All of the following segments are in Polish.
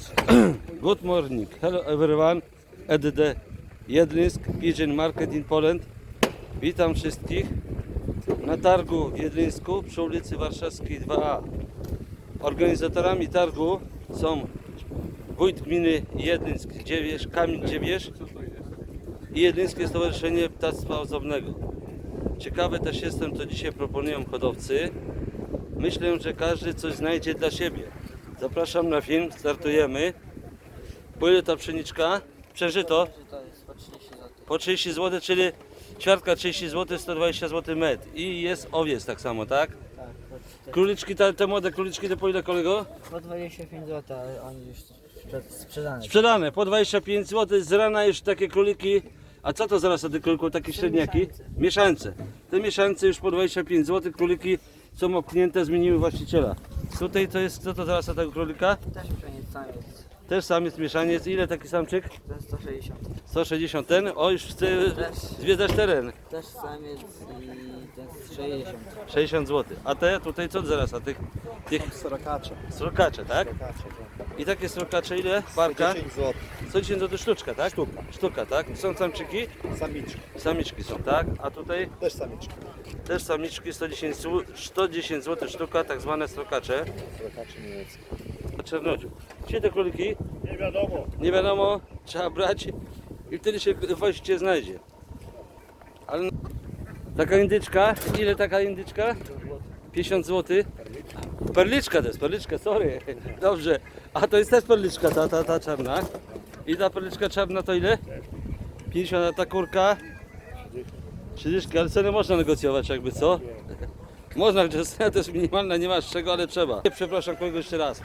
Good morning. Hello everyone. At the Jedlińsk Pigeon Market in Poland. Witam wszystkich na targu w Jedlińsku przy ulicy Warszawskiej 2A. Organizatorami targu są wójt gminy Jedlińsk Kamil Dziewierz i Jedlińskie Stowarzyszenie Ptactwa Ozdobnego. Ciekawy też jestem, co dzisiaj proponują hodowcy. Myślę, że każdy coś znajdzie dla siebie. Zapraszam na film, startujemy. Po ile ta pszeniczka? Przeżyto? To jest po 30 zł. Po 30 zł, czyli ćwiartka 30 zł, 120 zł metr. I jest owiec tak samo, tak? Tak, po, Króliczki, te młode króliczki to po ile, kolego? po 25 zł, ale oni już sprzedane. Sprzedane, po 25 zł, z rana już takie króliki. A co to zaraz te króliki, takie średniaki? Mieszańce. Te mieszańce już po 25 zł, króliki są obknięte, zmieniły właściciela. Tutaj to jest, co to zaraz tego królika? Też pszenic samiec. Też samiec, mieszaniec. Ile taki samczyk? To jest 160. 160 ten. O, już chce Też. zwiedzać teren. Też samiec i ten jest 60. 60 zł. A te tutaj co zaraz? A tych Srokacze. srokacze, tak? I takie srokacze ile? Parka? 10 zł. 110 zł sztuczka, tak? Sztuka. Sztuka, tak? Są samczyki? Samiczki. Samiczki są, tak? A tutaj Też samiczki. też samiczki 110 zł sztuka, tak zwane srokacze. Srokacze niemieckie. A czernodziu. Gdzie te króliki? Nie wiadomo. Nie wiadomo, trzeba brać i wtedy się właściwie znajdzie. Ale taka indyczka, ile taka indyczka? 50 zł. Perliczka to jest, perliczka, sorry. Dobrze. A to jest też perliczka, ta czarna. I ta perliczka czarna to ile? 50, a ta kurka? 30, ale ceny można negocjować jakby, co? Można, że cena to jest minimalna, nie masz czego, ale trzeba. Przepraszam kolego jeszcze raz.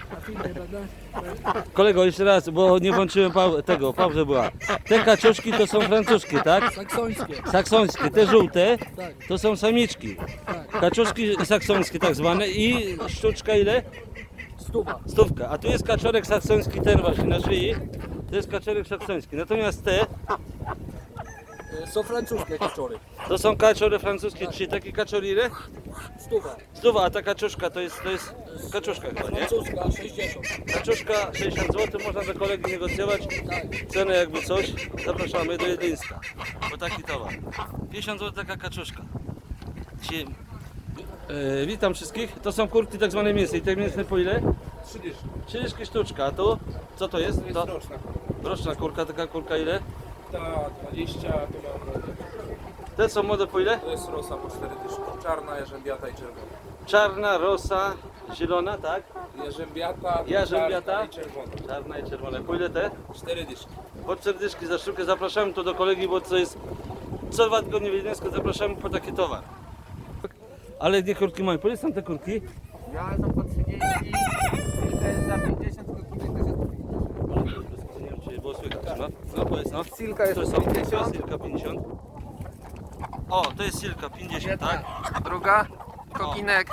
Kolego jeszcze raz, bo nie włączyłem pauza była. Te kaczuszki to są francuszkie, tak? Saksońskie. Saksońskie, te żółte Tak. to są samiczki. Kaczuszki saksońskie tak zwane i sztuczka ile? Stuwa. Stówka. A tu jest kaczorek saksoński ten właśnie na szyi. To jest kaczorek saksoński. Natomiast te Są francuskie kaczory. to są kaczory francuskie, czyli takie kaczory ile? Stuwa. Stuwa, a ta kaczuszka to jest kaczuszka chyba, nie? Francuska 60. Kaczuszka 60 zł, można do kolegi negocjować cenę jakby coś. Zapraszamy do Jedlińska, bo taki towar. 50 zł taka kaczuszka. Dzisiaj, witam wszystkich. To są kurki tak zwane mięsne. I te mięsne po ile? 30. 30 sztuczka. A tu co to jest? To Roczna. roczna kurka, taka kurka ile? Ta 20, to mam młode. Te są młode po ile? To jest rosa po 4 dyszki. Czarna, jarzębiata i czerwona. Czarna, rosa, zielona, tak? Jarzębiata, Jarzębiata. czarna i czerwona. Czarna i czerwona. Po ile te? 4 dyszki. Po 4 dyszki za sztukę. Zapraszamy tu do kolegi, bo to jest co 2 tygodnie w Jedlińsku, zapraszamy po taki towar. Ale gdzie kurki mają? Po ile są te kurki? Ja są po 30 i to jest za 50, tylko tutaj też jest po 50. Nie wiem, czy było słychać, no. No powiedz, no. Silka jest To po są 50. Silka 50. O, to jest Silka 50, tak? Druga, kokinek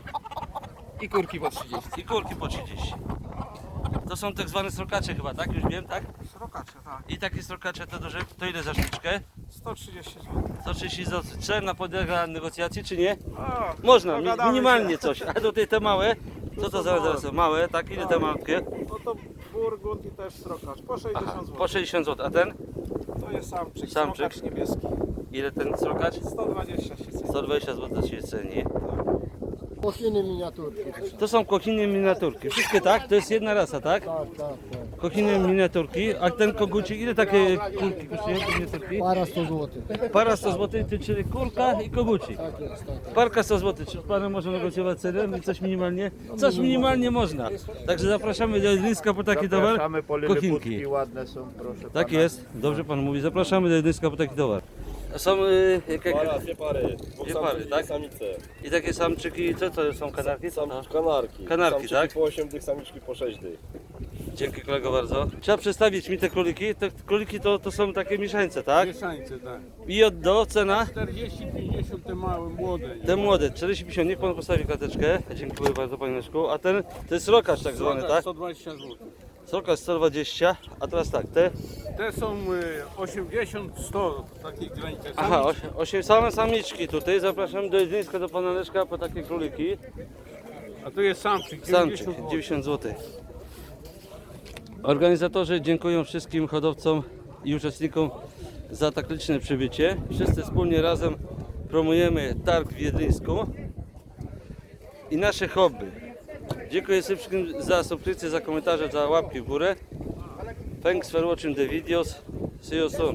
i kurki po 30. I kurki po 30. To są tak zwane srokacze chyba, tak? Już wiem, tak? Srokacze, tak. I takie srokacze to duże, to ile za sztuczkę? 130 zł. 130 zł. Trzeba podlega negocjacji, czy nie? A, Można, dogadamy minimalnie się. coś. A tutaj te małe, co to zaraz są? Małe, tak? Ile te malutkie? No to burgund i też srokacz. Po 60 Aha, zł. po 60 zł. A ten? To jest samczyk. Samczyk. Srokacz niebieski. Ile ten srokacz? 120 się ceni. 120 zł się ceni. Kochiny miniaturki. To są kochiny miniaturki. Wszystkie tak? To jest jedna rasa, tak? Tak. Kochiny miniaturki. A ten kogucik, ile takie kurki kosztują, te miniaturki? Para 100 zł. Para 100 zł, czyli kurka i kogucik. Tak jest, tak. Parka 100 zł. Czy z panem można negocjować cenę? I coś minimalnie? Coś minimalnie można. Także zapraszamy do Jedlińska po taki towar. Zapraszamy, po Kochinki. liliputki ładne są, proszę Tak pana. jest, dobrze pan mówi. Zapraszamy do Jedlińska po taki towar. A są Dwie pary, Dwie pary, samce, tak? samice. i takie samczyki, co to są kanarki? Kanarki. Kanarki, Samczyki tak? po 8 dych, samiczki po 6 dych. Dzięki kolego bardzo. Trzeba przedstawić mi te króliki. Te króliki to są takie mieszańce, tak? Mieszańce, tak. I od do cena? 40-50 te małe, młode. Te młode, 40-50, niech pan postawi klateczkę. Dziękuję bardzo panie Leszku. A ten, to jest rokacz tak zwany, tak? 120 zł. Rokacz 120, a teraz tak, te? Te są 80, 100 takich granicach. Aha, 8 same samiczki tutaj. Zapraszam do Jedlińska, do pana Leszka po takie króliki. A tu jest samczyk. Samczyk, 90 zł. 90 zł. Organizatorzy dziękują wszystkim hodowcom i uczestnikom za tak liczne przybycie. Wszyscy wspólnie razem promujemy targ w Wiedryńsku i nasze hobby. Dziękuję wszystkim za subskrypcję, za komentarze, za łapki w górę. Thanks for watching the videos. See you soon.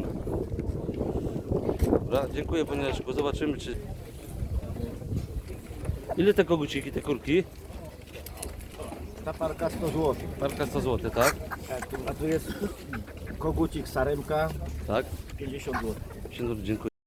Dobra, dziękuję panie Leszku. Zobaczymy czy... Ile te koguciki, te kurki? Ta parka 100 zł. Parka 100 zł, tak? A tu jest kogucik saremka Tak. 50 zł. Dziękuję.